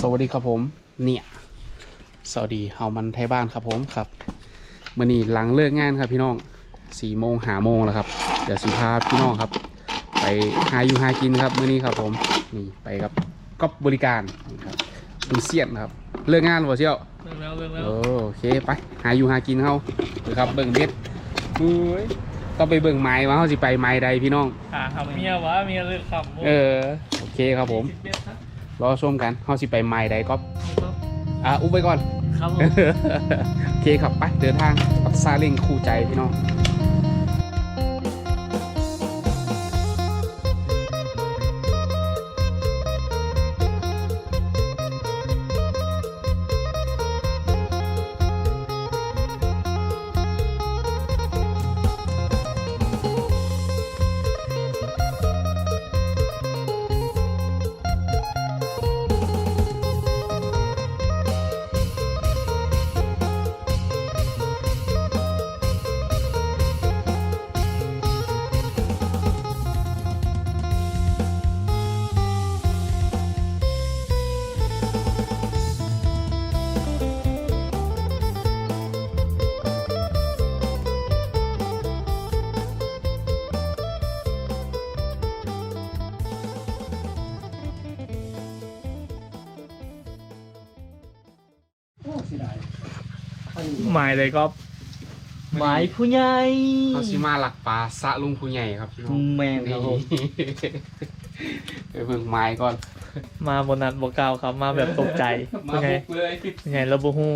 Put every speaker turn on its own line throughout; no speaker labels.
วัสดีครับผมเนี่ยสวัสดีเฮามันไทยบ้านครับผมครับมื่อนี้หลังเลิกงานครับพี่น้อง4 โมงแล้วครับเดี๋ยวสิพาพี่น้องครับไปหาอยู่หากินครับมื่อนี้ครับผมนี่ไปกับก๊อบบริการนี่ครับดูเสียนครับเลิกงานหรือเปล่าเชี่ยว
เรื่องแล้ว
โอเคไปหาอยู่หากินเฮาหรือครับเบิ่งเบ็ดอุ้ยต้องไปเบิ่งไม้ว่าเฮาสิไปไม้ใดพี่น้อง
คำเมียวะเมียเลือกคำ
โอเคครับผมรอชมกันเฮาสิไปไม้ใดก๊อบอุ้มไปก่อน
ครับผม
โอเคครับไปเดินทางกับซาเล้งคู่ใจพี่น้อง
หมายเลยก็หมายผู้ใหญ่
เขาชิมาหลักปลาสะลุงผู้ใหญ่ครับพี่น้อง
แมนครับผม
ไปเบิ่งไม้ก่อน
มาบนนั้นบกาวครับมาแบบตกใจ
มาบุกเลย
ผู้ใหญ่ระบุหู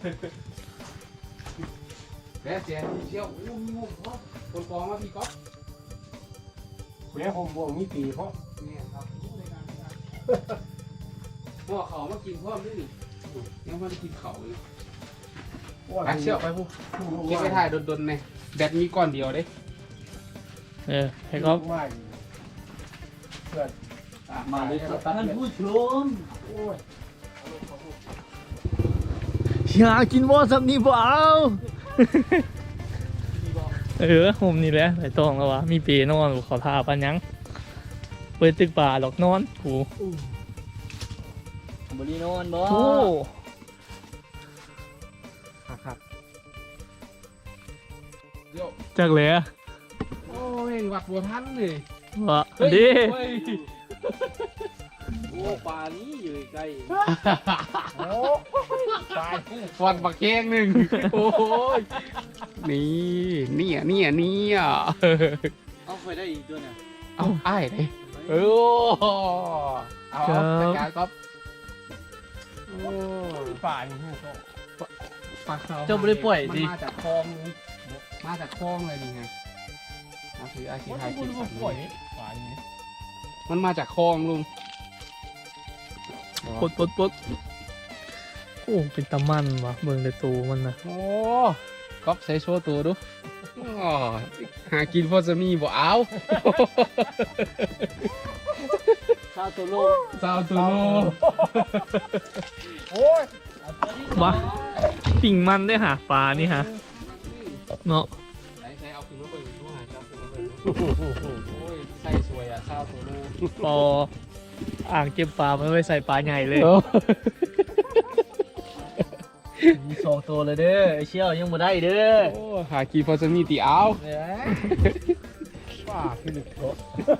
แล้วเสียเชี่ยวโอ้มีงงเพราะคนกองมาพี่ก๊อฟ
เสียผมบ่มีปีเพราะ
เนี่ยครับพ่อเขามากินพ่อไม่หนียังมันกินเขาอยู่ไปเชี่ยวไปพูเก็บไปถ่ายดนๆเนี่ยแบตมีก้อนเดียวเด้
ให้ก็
เพื่อนมาเลยครับท่านผู้ชม
อยากกินบ่สับนี่บ่เอาผมนี่แหละไอ้ตองแล้ววะมีเปนอนขอทาปันยังเปิดตึกป่าหลอกนอนกู
บริโนอนบ่
โอ้
ครับเดี๋ยว
จักเลย
โอ้ยวัดบัวทันเลยว
ะดิ
โอ้ป่านี้อยู่ใกล้
โอ้วัดบักแกงหนึ่งโอ้ยเนี่ย
เอาไปได้อีกตัวเนี่ย
เอาไอ้เลยเอาจัดการก๊อฟ
ป่านี่ก็
ปลาเขา
เจ้าไม่ได้ป่วยดิ
มาจากคลองเลยนี่ไงมาถืออาชีพไทยกินสัตว์มันมาจากคลองลุง
ปดโอ้เป็นตะมันวะเบิ่งในตูมันนะ
โอ้ก๊อฟใช้โชว์ตัวดูหากินพอจะมีบ่เอา
ซาโตโล
โอ้ย
บ้าปิ่งมันได้หาปลานี่ฮะเนาะ
ใช้เอาขึ้นมาเปิดด้วยครับโอ้ยใส่สวยอ่ะข้าวโตโล
ปออ่างเก็บปลาไม่ไว้ใส่ปลาใหญ่เลย
มี2 ตัวเลยเด้อไอเชี่ยวยังบ่ได้เด้อ
โอ้หากินพอจะมีตีเอา
ป่าคือลึกโต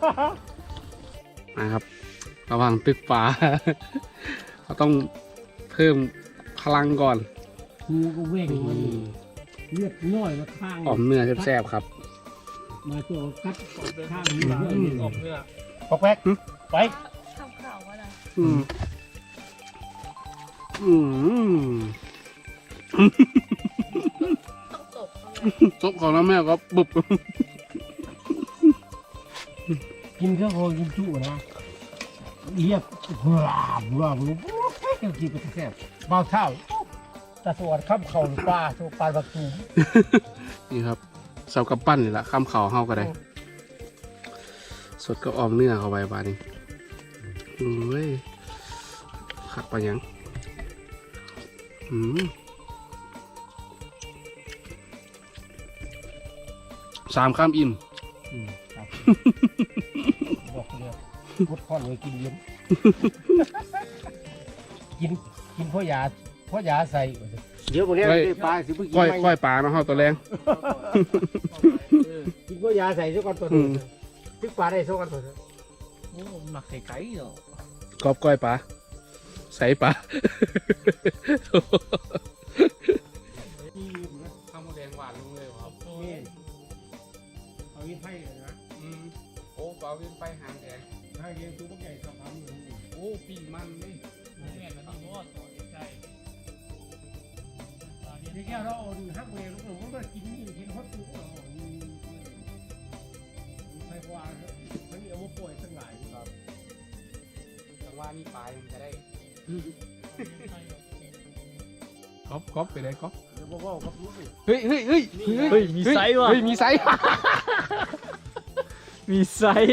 นะครับระหว่างตึกป่าเราต้องเพิ่มพลังก่อน
งูก็เว่งมันเลือดน้อยมาข้าง
อมเนื้อแซ่บๆครับ
มาตัวกัดไปข้างนี้
ออกเนื้อ
ปอกแป๊กไป
ทำข่าวว่าอะไรต้องตบเขาเลย
ซบของน้ำแม่ก็บุบ
กินเครื่องโคกินจุนะเรียบว้าวกินไปแซ่บเบาเท่าตะสวดข้ามเข่าหรือปลาโชว์ปลาบักตู
นี่ครับเสากับปั้นนี่แหละข้ามเขาเข้าก็ได้สดก็ออมเนื้อเข้าไปบ้านี้เฮ้ยขัดไปยัง3 ข้ามอิ่ม
บอกเลยพุทธพ่อเลยกินเย็นกินพ่อยาใส่เดี๋ยวพวกนี้ได้ปลาสิเพิ่งกิน
ก้อย
ไหม
ก้อยปลาเนาะเฮาตัวแรง
กินพ่อยาใส่ซะก่อนตัว
อื
นึง
ม
ตึกปลาได้ซะก่อนตัวนึง
โอ้หมักไก่ไก่เหรอก
อบก้อยปลาใส่ปลาข้าวหมูแดงหวานลงเลยครับ
นี่เอาวินไผ่เลยนะ
โอ้ปลาเวียนไปหางแดง
ถ้าเลี้ยงตัวพวกใหญ่สองพันอยู่
โอ้ปีมันนี่
แม่นมันมีมอดต่อใกล้
ที่แก้วเราเอาดูฮักเวรลูกหนูก็กินนี่กินฮอตตู้เราไฟกวาทั้งนี้เอามาป่วยทั้งหลายครับ
จังว่านี่ปลายังจะได้ก๊อบไปเลยก๊อบ
เดี๋ยวบอกกับลูก
เฮ้ย
เฮ้ยมีไซส์ว่ะ
เฮ้ยมีไซส์
มีไซส์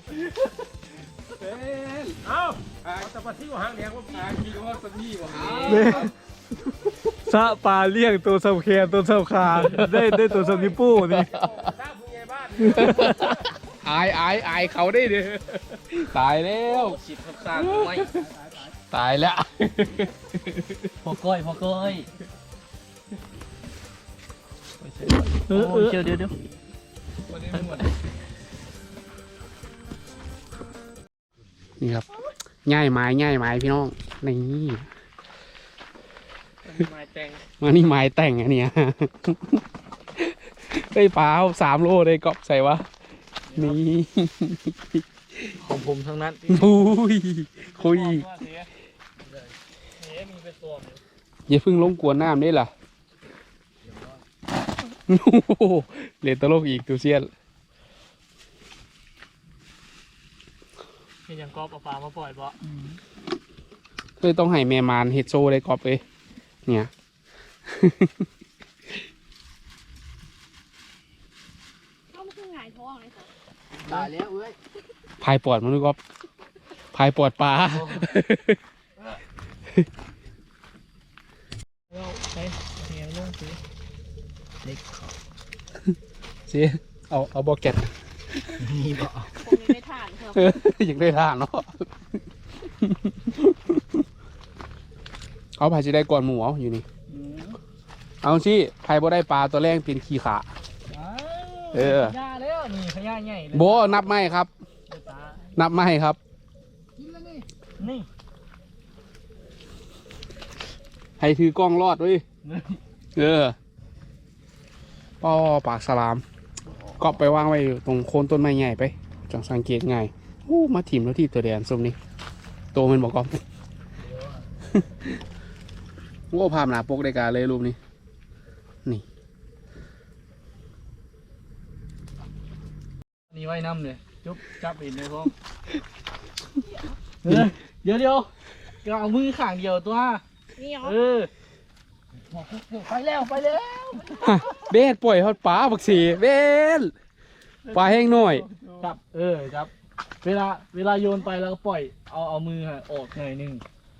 เอ้าเอาแต่ปลาที่ว่าหางแดงว่าพี่
คิดว่าสักนี่วะ
ซะปลาเลี้ยงตัวสำแคนตัวสำคาได้ตัวสำนิปูนี่
ตาผู้ใหญ่บ้าน
อายเขาได้เด้อตายแล้ว
ฉีดข้างไม่
ตายแล้ว
พอก้อยเดี๋ยว
นี่ครับง่ายไม้พี่น้องนี่
ไม้แต่ง
มานี่ไม้แต่งอันเนี้ยเฮ้ยปลาเอา3 โลเลยกอบใส่วะนี่
ของผมทั้งนั้น
อุ้ยคุย
มีเป็นตัว
อย่าเพิ่งลงกวนน้ำได้ล่ะโอ้โหเล่นตลกอีกตูเซียน
มียังกอบเอาปลามาปล่อยบ่
เคยต้องให้แม่มานเฮ็ดโซ่ได้กอบเลยเนี่ย
ก็มันคือหงายท้องเลยค่ะ
ตายแล้วเอ้ย
พายปอดมันดูกอบพายปอดปลา
เราใช้เงี้ยลงสิเด็ก
เสียเอาบอกแกต
มีบ่
ผมยังไม่ทานครับ
อยากได้ท่าเนาะเอาพายจะได้ก่อนหมูเอาอยู่นี่เอาสิพายบ่ได้ปลาตัวแรกเป็นขี้ขา เออ
ขยะแล้วนี่ขยะใหญ่เลย
โบนับไม่ครับ นับไม่ครับ
นี่
ให้ถือกล้องรอดเว้ยเออป้อปากสลามก็ไปวางไว้อยู่ตรงโคนต้นไม้ใหญ่ไปจังสังเกตง่ายอู้มาถิ่มแล้วที่ตัวแดนส้มนี่โตมันบอกกอบ โอ้ภาพหนาปกได้การเลยรูปนี้นี่
นี่ไว้น้ำเลยจุ๊บจับเองเลยพ่อเดี๋ยวก็เอามือข้างเดียวตัว
นี่เหรอ
เออไปแล้ว
เบสปล่อยฮอดปลาบักสีเบสปลาแห้งหน่อย
จับจับเวลาโยนไปแล้วก็ปล่อยเอามือออกหน่อยนึง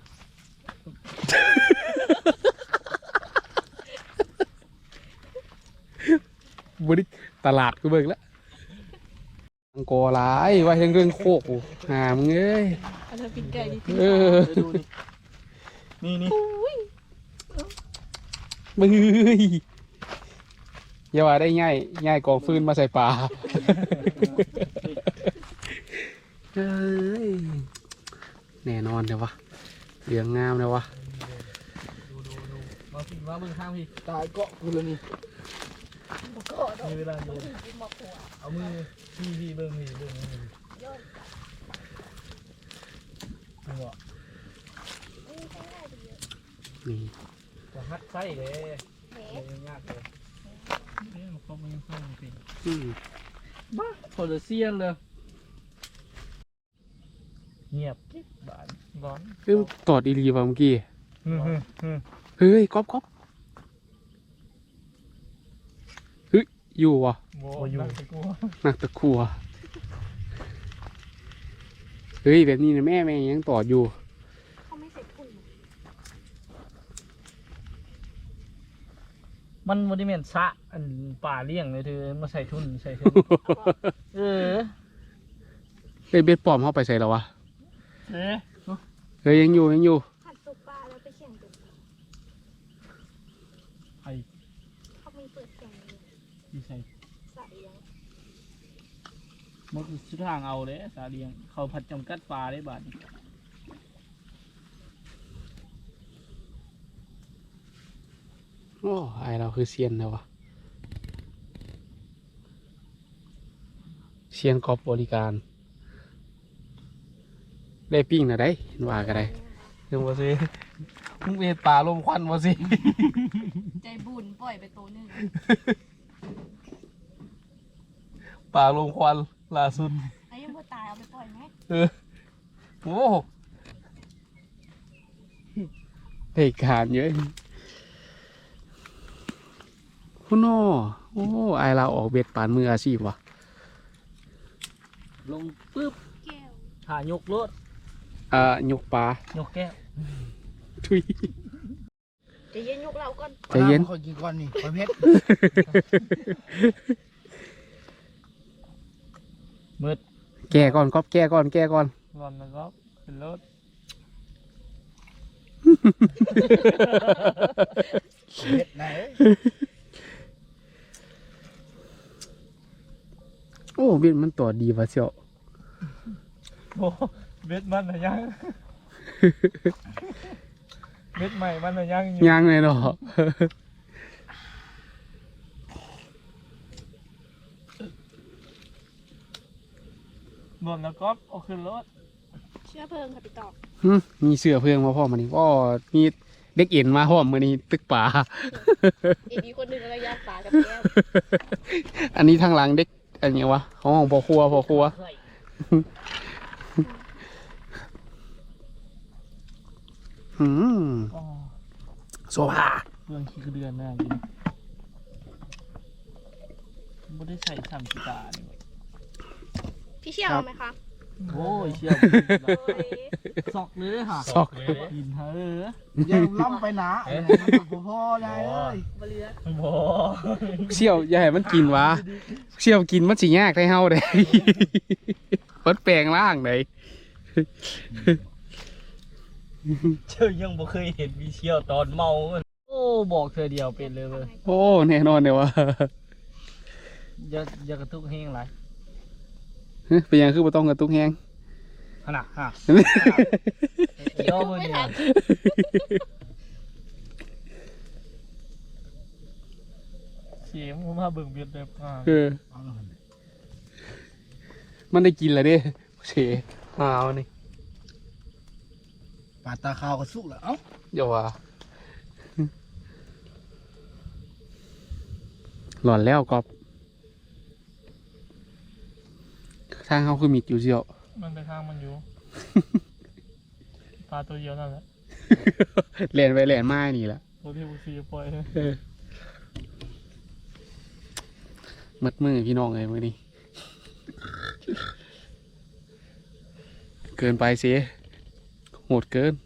บริตลาดกูเบิกแล้วอังกอร์หลายไว้ทั้งเรื่องโคกกูหามึงเอ้ย
อันนั้นเป็นไก่ดิ
เออ
ดูนี่
มึงเอ้ยอย่าว่าได้ง่ายกองฟืนมาใส่ปลาเอ้ยแน่นอนเลยวะเหลืองงามเลยวะ
มาเบิ่งข้างพี่
ตายเกาะกูเลยนี่
มีเวลาโยนเอามือพี่เบิ่งนี่บ่
นี่
จะฮัดไส้เลยยากเลยมันเข้ามันเข้าจริง
อืม
บ้าโคตรเซียนเลยเงียบบ้านร้อน
เอ้ยตอดอีรีว่ะเมื่อกี้
ฮึ
เฮ้ยก๊อฟเฮ้ยอยู่ว่ะ
โอ้อยู่
นักตะครัวเฮ้ยแบบนี้นะแม่ยังตอดอยู่
เขาไม่ใส่ถุง
มันบริเวณสะอันป่าเลี้ยงเลยเธอมาใส่ทุนเออ
เฮ้ยเบ็ดปลอมเข้าไปใส่แล้ววะ
เอ๊ะ
เฮ้ยยังอยู่
ผัดสุกปลา
ดีใส่
สระเลี้ยง
มันคือสุดทางเอาเลยสาเลียงเขาผัดจำกัดปลาได้บาทนี่
โอ้ไอเราคือเซียนแล้ววะเซียนกอบบริการได้ปิ้งนะได้เห็นว่ากันได้เรื่องว่าสิมึงเห็นป่าลมควันว่าสิ
ใจบุญปล่อยไปตัวหนึ่ง
ป่าลมควันล่าสุด
ไอ้ยังบ่ตายเอาไปปล่อยไหม
โอ้เหตุการณ์เยอะคุณโน่โอ้ไอเราออกเบ็ดปานมืออาชีพวะ
ลงปึ๊บ
แก้ว
หายกรถ
ยกปลาย
กแก้ว
ทุย
ใจะเย็นยกเราก่อน
ใจเย็น
คอยกินก่อนนี่คอยเพชร
มืด
แก้ก่อนก๊อฟแก้ก่อนแก้ก่อน
ร้อนแล้วก็ขึ้นรถ
เพชรไหน
โอ้เบ็ดมันตัวดีวะเชียว
โอ้เบ็ดมันน่ะยัง เบ็ดใหม่มันน่ะยังอยู่
ยังเลยเนาะ
ร้อนแล้วก็เอาขึ้นรถ
เชื้อเพลิงค่ะพี่ตอก
มีเสือเพื่องมาพร้อมมานี่ก็มีเด็กเอ็นมาพร้อมมานี่ตึกป่า
อีกคนหนึ่งอะไรย่างปลากับแก้ว
อันนี้ทางหลังเด็กอันนี้วะของพ่อครัวพ่อครัวอืม
อ๋อ
โซฟา
เรื่องขี้กระเดือนน่ากินไม่ได้ใส่สามกีตาร์นี่
พี่เชี่ยวเอาไหมคะ
โอ้ยเชี่ยว
โอ้ย
ซอกเลยค่ะ
ซอก
กินเถอะ
ยังล้ำไปหนาพ่อได้เลย
บเรือ
บ่
เชี่ยวอย่าให้มันกินวะเชี่ยวกินมันสิยากได้เฮาเด้ มันแปลงร่างได้
เชื่อยังบ่เคยเห็นมีเชี่ยวตอนเมาโอ้บอกเธอเดียวเป็นเลยเว้ย
โอ้แน่นอนเดี๋ยววะ
อย่ากระทุกแห้งไร
เป็นยังคือบ่ต้องกระตุกแฮง
ขนาดฮะย่อมือ
ไม่
เนี่ย
ทัน
เสียมมาเบิ่งเบียดแบบ
มันได้กินแล้วเด้เฉหาวนี่
ปาตาขาวก็สุกแล้วเอ้า
เดี๋ยวว่าหลอนแล้วกอบทางเขาคือมิดอยู่เชียว
มันไปทางมันอยู่ ปลาตัวเดียวนั่นแหละ
แลนไปแลนมานี่แหละ
ตัวที่บุซีปล่อย
มัดมือพี่น้องเลยมือนี้ เกินไปสิโหดเกิน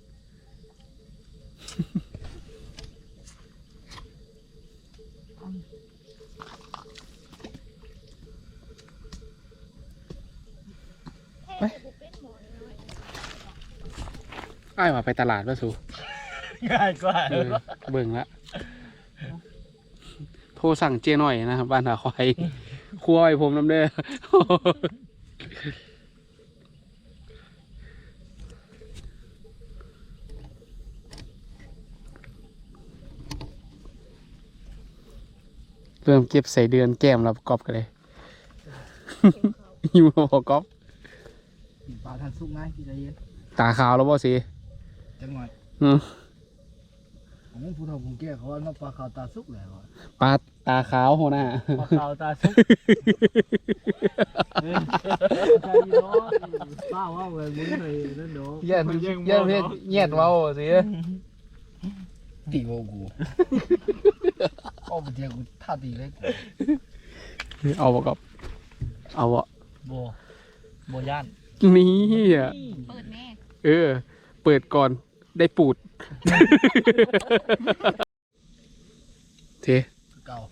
เฮ้ยบุเป็นหมอนน้อย
อ้ายว่าไปตลาดป่ะสู
ง่ายกว่า
เบิ่งละโทรสั่งเจหน่อยนะครับบ้านหาควายครัวไอ้ผมน้ำเด้อ เริ่มเก็บใส่เดือนแก้มแล้วประกอบกันเลย อยู่มาประกอบ
ปลาทันสุกง่ายที่ใจเย็น
ตาขาวแล้วบ่สิ
จังหน่อย
อืม
ผมผู้เฒ่าผมแก่เขาว่าน้ำปลาขาวตาสุกแล้ว
ปลาตาขาวโหน่า
ปลาขาวตาซุกใจร้อนป้าว่าเว้ยมึงเลยนั่นเนาะ
เย็นเย็นเพชรเย็ดเว้าสิ
ตีโวกูเอาไปเดียวกูท่าตีเลย
เอาประกอบเอาบ่
บ่ย่าน
นี่อ่ะ
เปิดแม่
เปิดก่อนได้ปูด เท
เก่า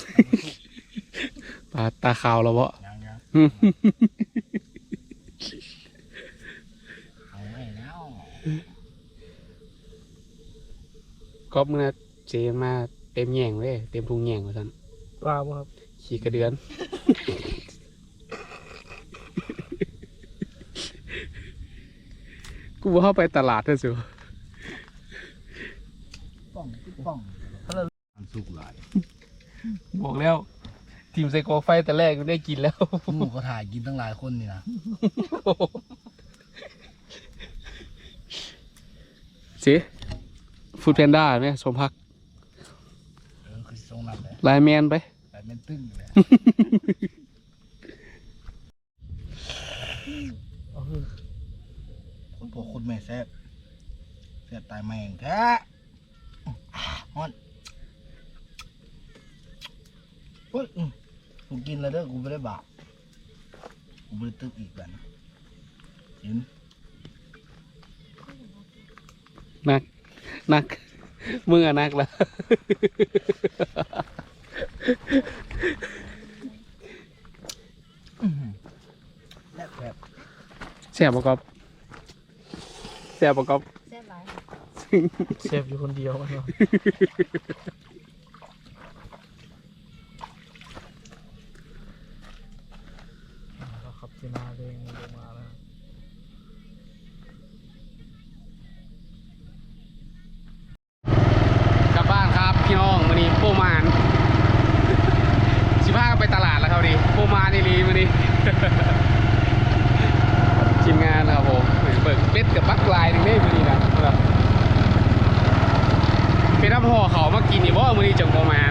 ปลาตาขาวแล้วบ่
ยังเอาไว้แล้ว
ก็เมื่อเจมาเต็มแย่งเลยเต็มพุงแย่งว่าซั่น
ปลาบ่ครับ
ขี่กระเดือน กูเข้าไปตลาดเถอะสิ
ป้องมันสุกหลาย
บอกแล้ว ทีมไซโคไฟแต่แรกก็ได้กินแล้ว
หมูเขาถ่ายกินตั้งหลายคนนี่นะ
สิฟูดแพนด้าไหมสมพัก
คือทรงนั้นเลย
ไลน์แมนไป
แต่เป็นตึ้งเลยคนพวกคนไม่แซ่บตายแมงแท้ฮอนเฮ้ยกูกินแล้วเด้อกูไม่ได้บาปกูไม่ได้ตึกอีกแบบนะเห็น
นักมึงอะนักแล้ว
และแบบ
แซ่บปะก๊อฟแซ่บปะก๊อฟ
แซ่บหลาย
เซฟอยู่คนเดียวมันเนาะครับที่นาเร่งลงมาแล้ว
กลับบ้านครับพี่น้องวันนี้โปมาน15ก็ไปตลาดแล้วครับดิโปมานนี่ลีวันนี้ ทีมงานนะครับผมเบิกเป็ดกับบักลายหนึ่งได้วันนี้นะครับเป็นน้ำห่อเขามากินนี่เพราะว่าวันนี้จังโปมาน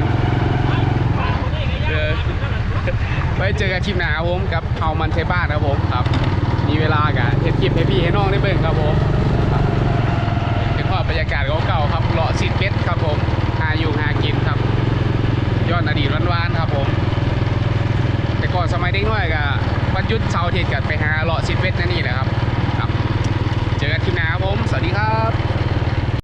ไว้เจอกันคลิปหน้าครับผมกับเฮามันเทบ้านครับผมครับมีเวลากันเฮ็ดคลิปให้พี่ให้น้องได้เบิ่งครับผมเป็นภาพบรรยากาศเก่าๆครับเลาะสิดเป็ดครับผมหาอยู่หากินครับย้อนอดีตหวานๆครับผมแต่ก่อนสมัยเด็กน้อยก็วันหยุดเสาร์อาทิตย์ก็ไปหาเลาะสิดเป็ด